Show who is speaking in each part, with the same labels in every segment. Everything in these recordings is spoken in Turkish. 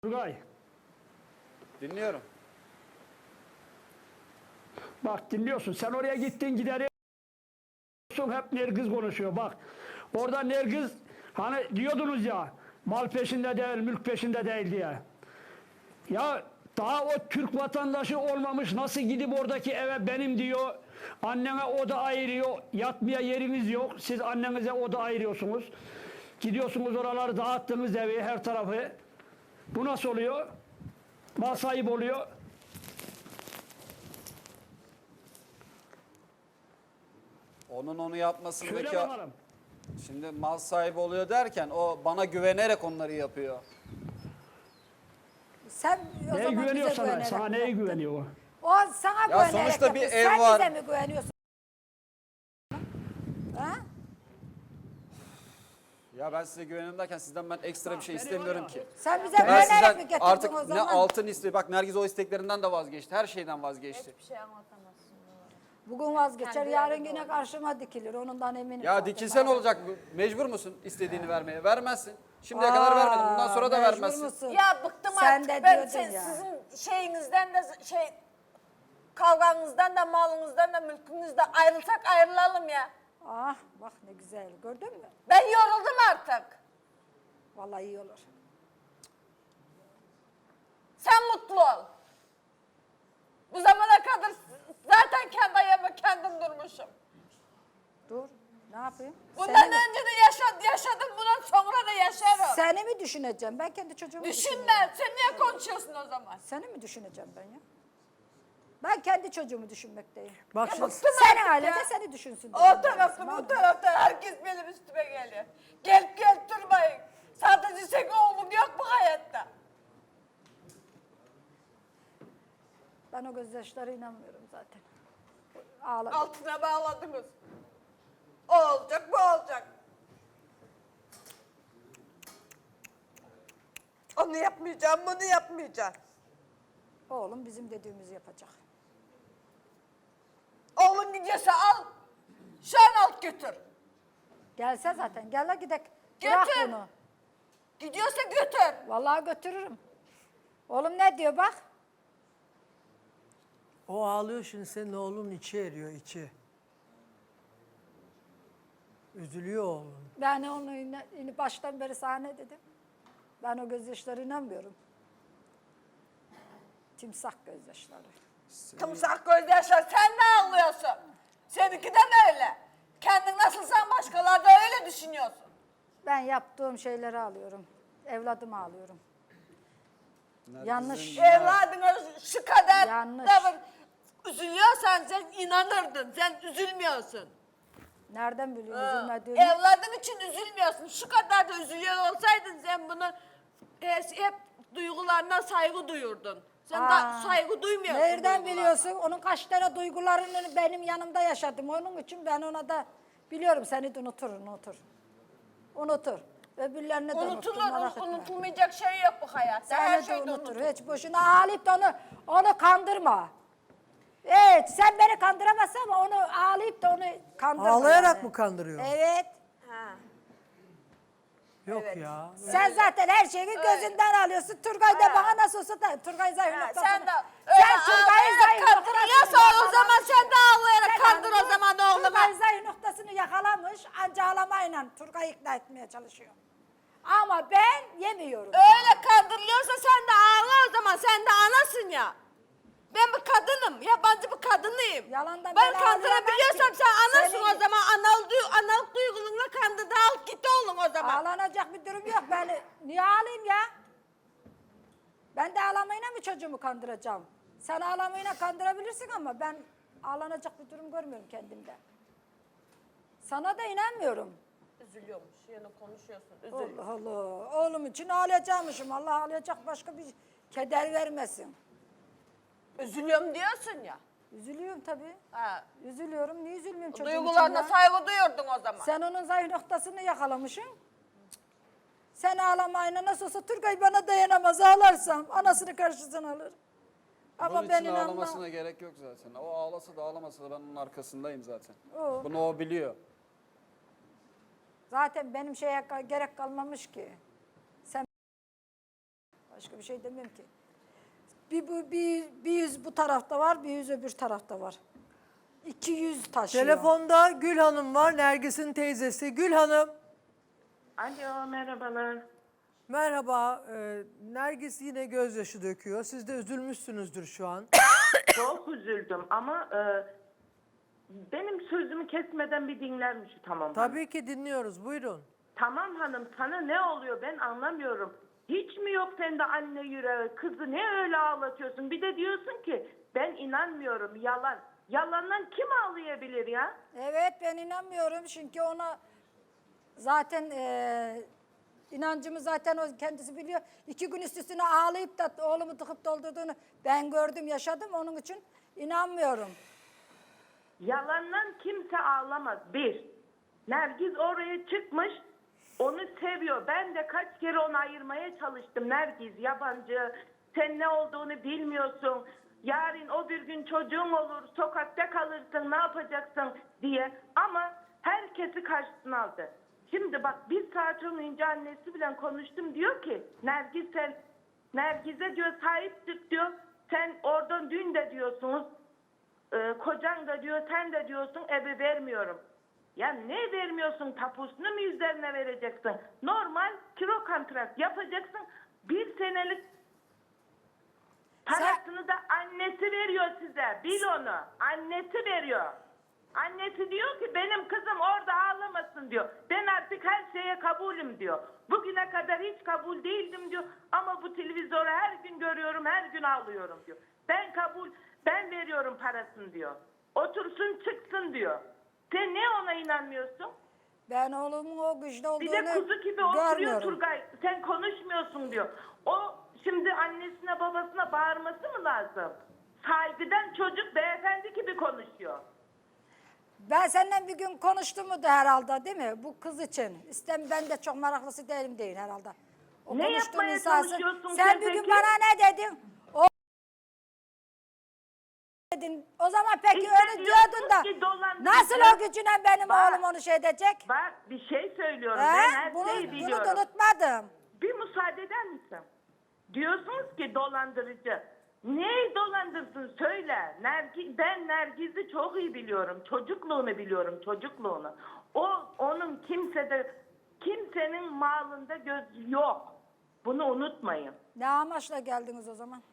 Speaker 1: Turgay,
Speaker 2: Dinliyorum.
Speaker 1: bak dinliyorsun. Sen oraya gittin gideriyorsun, hep Nergiz konuşuyor. Bak orada Nergiz hani diyordunuz ya mal peşinde değil, mülk peşinde değil diye. Ya daha o Türk vatandaşı olmamış nasıl gidip oradaki eve benim diyor. Annene oda ayırıyor. Yatmaya yeriniz yok. Siz annenize oda ayırıyorsunuz. Gidiyorsunuz oraları dağıttınız evi her tarafı. Bu nasıl oluyor? Mal sahibi oluyor.
Speaker 2: Onun onu yapmasındaki...
Speaker 1: Söyle bakalım.
Speaker 2: Şimdi mal sahibi oluyor derken o bana güvenerek onları yapıyor.
Speaker 3: Sen o
Speaker 1: Neye
Speaker 3: zaman
Speaker 1: güveniyor
Speaker 3: bize
Speaker 1: sana?
Speaker 3: güvenerek
Speaker 1: Sana neye
Speaker 3: yaptın.
Speaker 1: güveniyor o?
Speaker 3: O sana güvenerek
Speaker 2: sonuçta bir
Speaker 3: yaptı.
Speaker 2: ev
Speaker 3: Sen
Speaker 2: var.
Speaker 3: bize mi güveniyorsun? Ha?
Speaker 2: Ya ben size güvenim derken sizden ben ekstra bir şey
Speaker 1: beni
Speaker 2: istemiyorum
Speaker 1: var ya.
Speaker 2: ki.
Speaker 3: Sen bize
Speaker 2: Ben
Speaker 3: güvenerek mi
Speaker 2: sizden
Speaker 3: getirdin
Speaker 2: artık
Speaker 3: o
Speaker 2: ne
Speaker 3: zaman?
Speaker 2: altın istiyor. Bak Nergiz o isteklerinden de vazgeçti. Her şeyden vazgeçti.
Speaker 4: Hiçbir şey anlatamazsın.
Speaker 3: Bugün vazgeçer,
Speaker 4: Kendi
Speaker 3: yarın
Speaker 4: yerinde
Speaker 3: yine karşıma dikilir. Ondan eminim.
Speaker 2: Ya
Speaker 3: zaten.
Speaker 2: dikilsen olacak. Mecbur musun istediğini vermeye? Vermezsin. Şimdiye kadar vermedin. Bundan sonra da
Speaker 3: mecbur
Speaker 2: vermezsin.
Speaker 3: musun?
Speaker 4: Ya bıktım
Speaker 3: Sen
Speaker 4: artık.
Speaker 3: de
Speaker 4: Ben
Speaker 3: diyordun ya.
Speaker 4: sizin şeyinizden de kavganızdan da malınızdan da mülkünüzden ayrılsak ayrılalım ya.
Speaker 3: Ah bak ne güzel. Gördün mü?
Speaker 4: Ben yoruldum artık.
Speaker 3: Vallahi iyi olur.
Speaker 4: Sen mutlu ol. Bu zamana kadar zaten kendi ayağıma kendim durmuşum.
Speaker 3: Dur. Ne yapayım?
Speaker 4: Bundan
Speaker 3: Seni mi-
Speaker 4: önce de yaşadım. Bundan sonra da yaşarım.
Speaker 3: Seni mi düşüneceğim? Ben kendi çocuğumu düşünüyorum.
Speaker 4: Düşünme. Sen niye konuşuyorsun o zaman?
Speaker 3: Seni mi düşüneceğim ben ya? Ben kendi çocuğumu düşünmekteyim.
Speaker 5: Bak
Speaker 4: Ya
Speaker 5: şimdi
Speaker 4: bıktım
Speaker 3: Senin
Speaker 4: artık
Speaker 3: aile
Speaker 4: ya.
Speaker 3: de seni düşünsün.
Speaker 4: O
Speaker 3: dedim
Speaker 4: tarafta
Speaker 3: ben.
Speaker 4: bu tarafta herkes benim üstüme geliyor. Gel durmayın. Sadece senin oğlum yok bu hayatta.
Speaker 3: Ben o gözyaşlara inanmıyorum zaten. Ağla.
Speaker 4: Altına bağladınız. O olacak bu olacak. Onu yapmayacağım bunu yapmayacağım.
Speaker 3: Oğlum bizim dediğimizi yapacak.
Speaker 4: Oğlun gidiyorsa al. Şu an al götür.
Speaker 3: Gelse zaten. Gel la gidek.
Speaker 4: Götür.
Speaker 3: Bırak bunu.
Speaker 4: Gidiyorsa götür.
Speaker 3: Vallahi götürürüm. Oğlum ne diyor bak.
Speaker 5: o ağlıyor, şimdi senin oğlun içi eriyor, içi. Üzülüyor oğlun.
Speaker 3: Ben onu baştan beri sana ne dedim? Ben o gözyaşlara inanmıyorum. Timsah gözyaşları.
Speaker 4: Tımsak gözyaşlar sen ne ağlıyorsun? Seninki de öyle. Kendin nasılsan başkaları da öyle düşünüyorsun.
Speaker 3: Ben yaptığım şeyleri alıyorum. Evladımı alıyorum. Yanlış.
Speaker 4: Evladına şu kadar
Speaker 3: Yanlış.
Speaker 4: davran. Üzülüyorsan sen inanırdın. Sen üzülmüyorsun.
Speaker 3: Nereden biliyorsun üzülmediğimi?
Speaker 4: Evladın için üzülmüyorsun. Şu kadar da üzülüyor olsaydın sen bunu hep duygularına saygı duyurdun. Sen
Speaker 3: Aa,
Speaker 4: saygı duymuyorsun.
Speaker 3: Nereden
Speaker 4: duygularına.
Speaker 3: biliyorsun? Onun kaç tane duygularını benim yanımda yaşadım. Onun için ben ona da biliyorum seni de unutur. Unutur. Öbürlerini de unutur. Merak etme.
Speaker 4: Unutulmayacak şey yok bu hayatta. Her
Speaker 3: Seni de
Speaker 4: şey de
Speaker 3: unutur.
Speaker 4: unutulur.
Speaker 3: Hiç boşuna ağlayıp da onu kandırma. Evet sen beni kandıramazsın ama onu ağlayıp da onu kandırma.
Speaker 5: Ağlayarak
Speaker 3: yani.
Speaker 5: mı kandırıyor?
Speaker 3: Evet.
Speaker 4: Ha.
Speaker 5: Yok
Speaker 4: evet.
Speaker 5: ya.
Speaker 3: Sen zaten her şeyi gözünden alıyorsun. Turgay da bana nasıl olsa da Turgay zayıf
Speaker 4: Ha,
Speaker 3: noktasını.
Speaker 4: sen de
Speaker 3: Sen Turgay'ın
Speaker 4: ağlayarak
Speaker 3: zayıf
Speaker 4: kandırıyorsa
Speaker 3: noktasını
Speaker 4: o zaman sen de ağlayarak kandır o zaman oğluma.
Speaker 3: Turgay zayıf noktasını yakalamış. Anca ağlamayla Turgay'ı ikna etmeye çalışıyor. Ama ben yemiyorum.
Speaker 4: Öyle kandırılıyorsa sen de ağla o zaman. Sen de anasın ya. Ben bir kadınım. Yabancı bir kadınıyım.
Speaker 3: Yalandan
Speaker 4: ben
Speaker 3: ben
Speaker 4: kandırabiliyorsam
Speaker 3: ağlayamam ki.
Speaker 4: sen anasın
Speaker 3: Senin-
Speaker 4: o zaman. Analık duygularına kandırdı. Al git oğlum o zaman.
Speaker 3: Ağlanacak bir durum yok. Ben niye ağlayayım ya? Ben de ağlamayla mı çocuğumu kandıracağım? Sen ağlamayla kandırabilirsin ama ben ağlanacak bir durum görmüyorum kendimde. Sana da inanmıyorum.
Speaker 4: Üzülüyormuş. Yine konuşuyorsun.
Speaker 3: Allah Allah. Oğlum için ağlayacakmışım. Allah ağlayacak başka bir keder vermesin.
Speaker 4: Üzülüyorum diyorsun ya.
Speaker 3: Üzülüyorum tabii.
Speaker 4: Ha.
Speaker 3: Üzülüyorum. Niye üzülmüyorum çocuğum
Speaker 4: Duygularına
Speaker 3: için ya?
Speaker 4: saygı duyurdun o zaman.
Speaker 3: Sen onun zayıf noktasını yakalamışsın. Sen ağlamayla nasıl olsa Turgay bana dayanamaz. Ağlarsam anasını karşısına alır. Ama
Speaker 2: Bunun
Speaker 3: ben
Speaker 2: için
Speaker 3: inanmam.
Speaker 2: ağlamasına gerek yok zaten. O ağlasa da ağlamasa da ben onun arkasındayım zaten.
Speaker 3: O.
Speaker 2: Bunu o biliyor.
Speaker 3: Zaten benim şeye gerek kalmamış ki. Sen Başka bir şey demem ki. Bir yüz bu tarafta var, bir yüz öbür tarafta var. 200 taşıyor.
Speaker 5: Telefonda Gül Hanım var, Nergis'in teyzesi. Gül Hanım,
Speaker 6: Alo, merhabalar.
Speaker 5: merhaba. Nergis yine gözyaşı döküyor. Siz de üzülmüşsünüzdür şu an.
Speaker 6: Çok üzüldüm ama benim sözümü kesmeden bir dinler misin tamam?
Speaker 5: Tabii ki dinliyoruz, buyurun.
Speaker 6: Tamam hanım, sana ne oluyor ben anlamıyorum. Hiç mi yok sende anne yüreği, kızı ne öyle ağlatıyorsun? Bir de diyorsun ki ben inanmıyorum, yalan. Yalandan kim ağlayabilir ya?
Speaker 3: Evet, ben inanmıyorum çünkü ona zaten inancımı zaten o kendisi biliyor. 2 gün üst üstüne ağlayıp da oğlumu tıkıp doldurduğunu ben gördüm, yaşadım. Onun için inanmıyorum.
Speaker 6: Yalandan kimse ağlamaz. Bir, Nergiz oraya çıkmış, onu seviyor. Ben de kaç kere onu ayırmaya çalıştım. Nergiz yabancı, sen ne olduğunu bilmiyorsun. Yarın o bir gün çocuğun olur, sokakta kalırsın, ne yapacaksın diye. Ama herkesi karşısına aldı. Şimdi bak bir saat önce annesi bile konuştum, diyor ki Nergiz sen, Nergiz'e diyor sahip çık diyor. Sen oradan dün de diyorsunuz, kocan da diyor, sen de diyorsun evi vermiyorum. Ya ne vermiyorsun, tapusunu mu üzerine vereceksin? Normal kiro kontrat yapacaksın. 1 senelik parasını da annesi veriyor size. Bil onu. Annesi veriyor. Annesi diyor ki benim kızım orada ağlamasın diyor. Ben artık her şeye kabulüm diyor. Bugüne kadar hiç kabul değildim diyor. Ama bu televizyonu her gün görüyorum, her gün ağlıyorum diyor. Ben veriyorum parasını diyor. Otursun çıksın diyor. Sen ne ona inanmıyorsun?
Speaker 3: Ben oğlumun o güçlü olduğunu
Speaker 6: Bir de kuzu gibi oturuyor
Speaker 3: görmüyorum.
Speaker 6: Turgay. Sen konuşmuyorsun diyor. O şimdi annesine babasına bağırması mı lazım? Saygıdan çocuk beyefendi gibi konuşuyor.
Speaker 3: Ben seninle bir gün konuştum mu da herhalde değil mi? Bu kız için. Ben de çok meraklısı değilim değil herhalde. O
Speaker 6: Ne
Speaker 3: konuştuğum
Speaker 6: yapmaya
Speaker 3: insansın.
Speaker 6: çalışıyorsun
Speaker 3: Sen
Speaker 6: sen
Speaker 3: bir gün
Speaker 6: peki?
Speaker 3: bana ne dedin? O dedin. O zaman peki
Speaker 6: İşte
Speaker 3: öyle diyordun da
Speaker 6: diyorsunuz ki dolandırıcı.
Speaker 3: nasıl o gücüne benim
Speaker 6: Bak.
Speaker 3: oğlum onu şey edecek?
Speaker 6: Bak bir şey söylüyorum.
Speaker 3: He?
Speaker 6: Ben her
Speaker 3: Bunu
Speaker 6: şeyi
Speaker 3: da
Speaker 6: biliyorum.
Speaker 3: unutmadım.
Speaker 6: Bir müsaade eder misin? Diyorsunuz ki dolandırıcı. Neyi dolandırsın söyle. Ben Nergiz'i çok iyi biliyorum. Çocukluğunu biliyorum, çocukluğunu. Onun kimsenin malında göz yok. Bunu unutmayın.
Speaker 3: Ne amaçla geldiniz o zaman?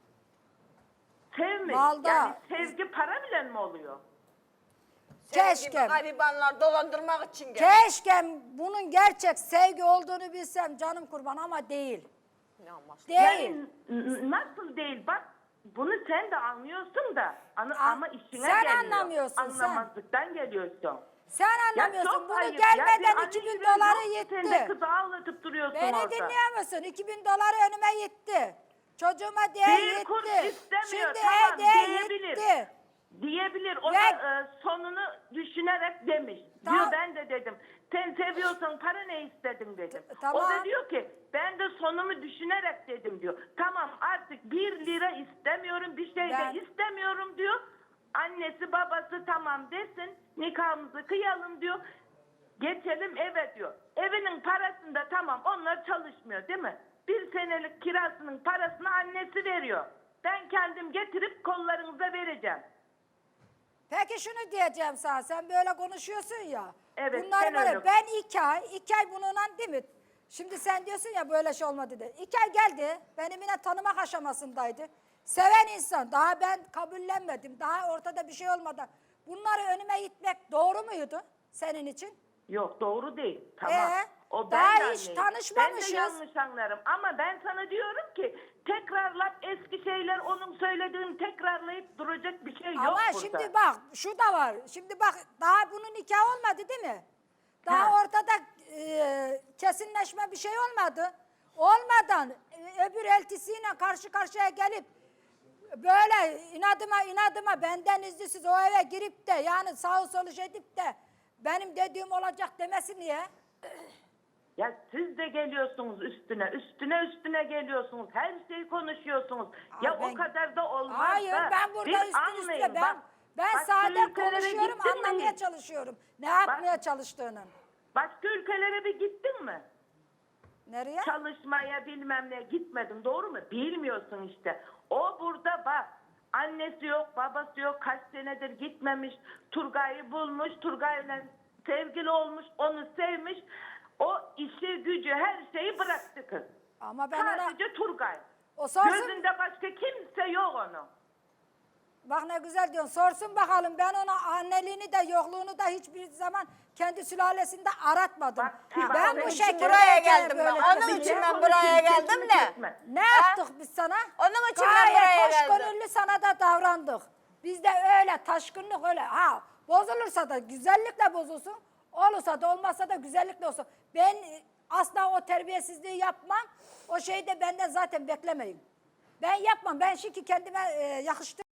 Speaker 6: Sevmek.
Speaker 3: Malda.
Speaker 6: Yani sevgi para bile mi oluyor?
Speaker 4: Senin
Speaker 3: Keşke.
Speaker 4: gibi garibanlar dolandırmak için gel.
Speaker 3: Keşke bunun gerçek sevgi olduğunu bilsem canım kurban ama değil.
Speaker 4: Ne amaçlı?
Speaker 3: Değil.
Speaker 6: Yani nasıl değil bak. Bunu sen de anlıyorsun da ama işine
Speaker 3: sen
Speaker 6: geliyor.
Speaker 3: anlamıyorsun, sen.
Speaker 6: Anlamazlıktan geliyorsun.
Speaker 3: Sen
Speaker 6: Ya
Speaker 3: anlamıyorsun.
Speaker 6: çok
Speaker 3: Bunu
Speaker 6: ayıp.
Speaker 3: gelmeden
Speaker 6: Ya bir
Speaker 3: 2000
Speaker 6: anne
Speaker 3: doları
Speaker 6: yok, Sen de
Speaker 3: yetti.
Speaker 6: kızı ağlatıp duruyorsun
Speaker 3: Beni
Speaker 6: orada.
Speaker 3: dinliyor musun? 2000 doları önüme yetti. Çocuğuma diye
Speaker 6: Bir kuruş
Speaker 3: yetti.
Speaker 6: istemiyor.
Speaker 3: Şimdi
Speaker 6: Tamam
Speaker 3: diye
Speaker 6: diyebilir.
Speaker 3: yetti.
Speaker 6: Diyebilir. O
Speaker 3: Ve-
Speaker 6: da sonunu düşünerek demiş.
Speaker 3: Tamam.
Speaker 6: Diyor ben de dedim. Sen seviyorsan para ne istedin dedim.
Speaker 3: Tamam.
Speaker 6: O da diyor ki ben de sonumu düşünerek dedim diyor. Tamam artık 1 lira istemiyorum, bir şey
Speaker 3: Ben-
Speaker 6: de istemiyorum diyor. Annesi babası tamam desin, nikahımızı kıyalım diyor. Geçelim eve diyor. Evinin parasında tamam onlar çalışmıyor değil mi? 1 senelik kirasının parasını annesi veriyor. Ben kendim getirip kollarınıza vereceğim.
Speaker 3: Peki şunu diyeceğim sana. Sen böyle konuşuyorsun ya.
Speaker 6: Evet,
Speaker 3: Bunları
Speaker 6: sen
Speaker 3: böyle
Speaker 6: öyle.
Speaker 3: ben 2 ay bununla değil mi? Şimdi sen diyorsun ya böyle şey olmadı de. 2 ay geldi. Benim yine tanımak aşamasındaydı. Seven insan. Daha ben kabullenmedim. Daha ortada bir şey olmadan. Bunları önüme itmek doğru muydu senin için?
Speaker 6: Yok doğru değil. Tamam. O ben
Speaker 3: daha
Speaker 6: de
Speaker 3: hiç
Speaker 6: anneyim.
Speaker 3: tanışmamışız.
Speaker 6: Ben de yanlış anlarım. Ama ben sana diyorum ki tekrarlayıp eski şeyler onun söylediğini tekrarlayıp duracak bir şey yok
Speaker 3: Ama
Speaker 6: burada.
Speaker 3: şimdi bak şu da var. Şimdi bak daha bunun nikahı olmadı değil mi? Daha
Speaker 6: Ha.
Speaker 3: ortada kesinleşme bir şey olmadı. Olmadan öbür eltisiyle karşı karşıya gelip böyle inadıma benden izinsiz o eve girip de yani sağ solu edip de benim dediğim olacak demesi niye?
Speaker 6: Ya siz de geliyorsunuz üstüne geliyorsunuz. Her şeyi konuşuyorsunuz. Ya
Speaker 3: ben-
Speaker 6: o kadar da olmaz
Speaker 3: Hayır
Speaker 6: da.
Speaker 3: ben burada
Speaker 6: Bir
Speaker 3: üstüne
Speaker 6: anlayın,
Speaker 3: ben
Speaker 6: bak
Speaker 3: sade
Speaker 6: şu ülkelere
Speaker 3: konuşuyorum
Speaker 6: gittin mi
Speaker 3: anlamaya
Speaker 6: hiç?
Speaker 3: çalışıyorum. Ne yapmaya çalıştığını.
Speaker 6: Başka ülkelere bir gittin mi?
Speaker 3: Nereye?
Speaker 6: Çalışmaya bilmem ne gitmedim, doğru mu? Bilmiyorsun işte. O burada bak. Annesi yok, babası yok, kaç senedir gitmemiş. Turgay'ı bulmuş, Turgay'la sevgili olmuş, onu sevmiş. O işi gücü her şeyi bıraktı kız.
Speaker 3: Ama ben ona...
Speaker 6: Sadece Turgay.
Speaker 3: O sorsun.
Speaker 6: Gözünde başka kimse yok onun.
Speaker 3: Bak ne güzel diyorsun. Sorsun bakalım. Ben ona anneliğini de yokluğunu da hiçbir zaman kendi sülalesinde aratmadım.
Speaker 6: Bak,
Speaker 3: Ben
Speaker 6: bak,
Speaker 3: bu
Speaker 6: için
Speaker 3: şekilde
Speaker 4: buraya geldim ben.
Speaker 3: böyle
Speaker 4: Onun
Speaker 3: dedim
Speaker 4: için
Speaker 3: ya.
Speaker 4: ben buraya geldim de.
Speaker 3: Ne yaptık biz sana?
Speaker 4: Onun için ben buraya
Speaker 3: Gayet
Speaker 4: geldim.
Speaker 3: hoşgörülü sana da davrandık. Biz de öyle taşkınlık öyle. Ha bozulursa da güzellikle bozulsun. Olursa da olmazsa da güzellikle olsun. Ben asla o terbiyesizliği yapmam. O şeyi de benden zaten beklemeyin. Ben yapmam. Ben şimdi kendime yakıştı.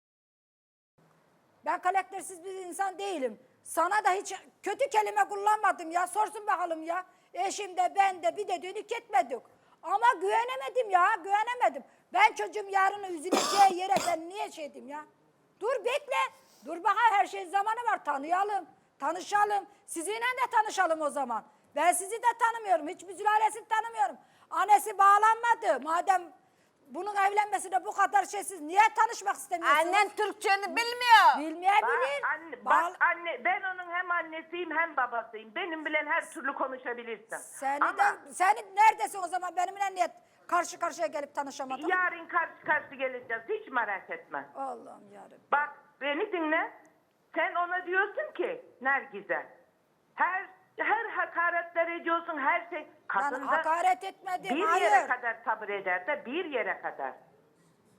Speaker 3: Ben karaktersiz bir insan değilim. Sana da hiç kötü kelime kullanmadım ya. Sorsun bakalım ya. Eşim de ben de bir dediğini ketmedik. Ama güvenemedim ya. Güvenemedim. Ben çocuğum yarın üzüleceği yere ben niye şey diyeyim ya? Dur bekle. Dur bakalım her şeyin zamanı var. Tanıyalım. Tanışalım. Sizinle de tanışalım o zaman. Ben sizi de tanımıyorum. Hiçbir sülalesini tanımıyorum. Annesi bağlanmadı. Madem bunun evlenmesine bu kadar şeysiz niye tanışmak istemiyorsunuz?
Speaker 4: Annen Türkçeni bilmiyor.
Speaker 3: Bilmeyebilir.
Speaker 6: Bak anne, ben onun hem annesiyim hem babasıyım. Benim bilen her türlü konuşabilirsin.
Speaker 3: Seni neredesin o zaman benimle niye karşı karşıya gelip tanışamadın?
Speaker 6: Yarın karşı karşı geleceğiz. Hiç merak etme.
Speaker 3: Allah'ım yarabbim.
Speaker 6: Bak beni dinle. Sen ona diyorsun ki Nergiz'e. Her hakaretler ediyorsun, her şey.
Speaker 3: Ben
Speaker 6: Kadın da
Speaker 3: hakaret etmedim.
Speaker 6: bir
Speaker 3: Hayır.
Speaker 6: yere kadar sabır eder de bir yere kadar.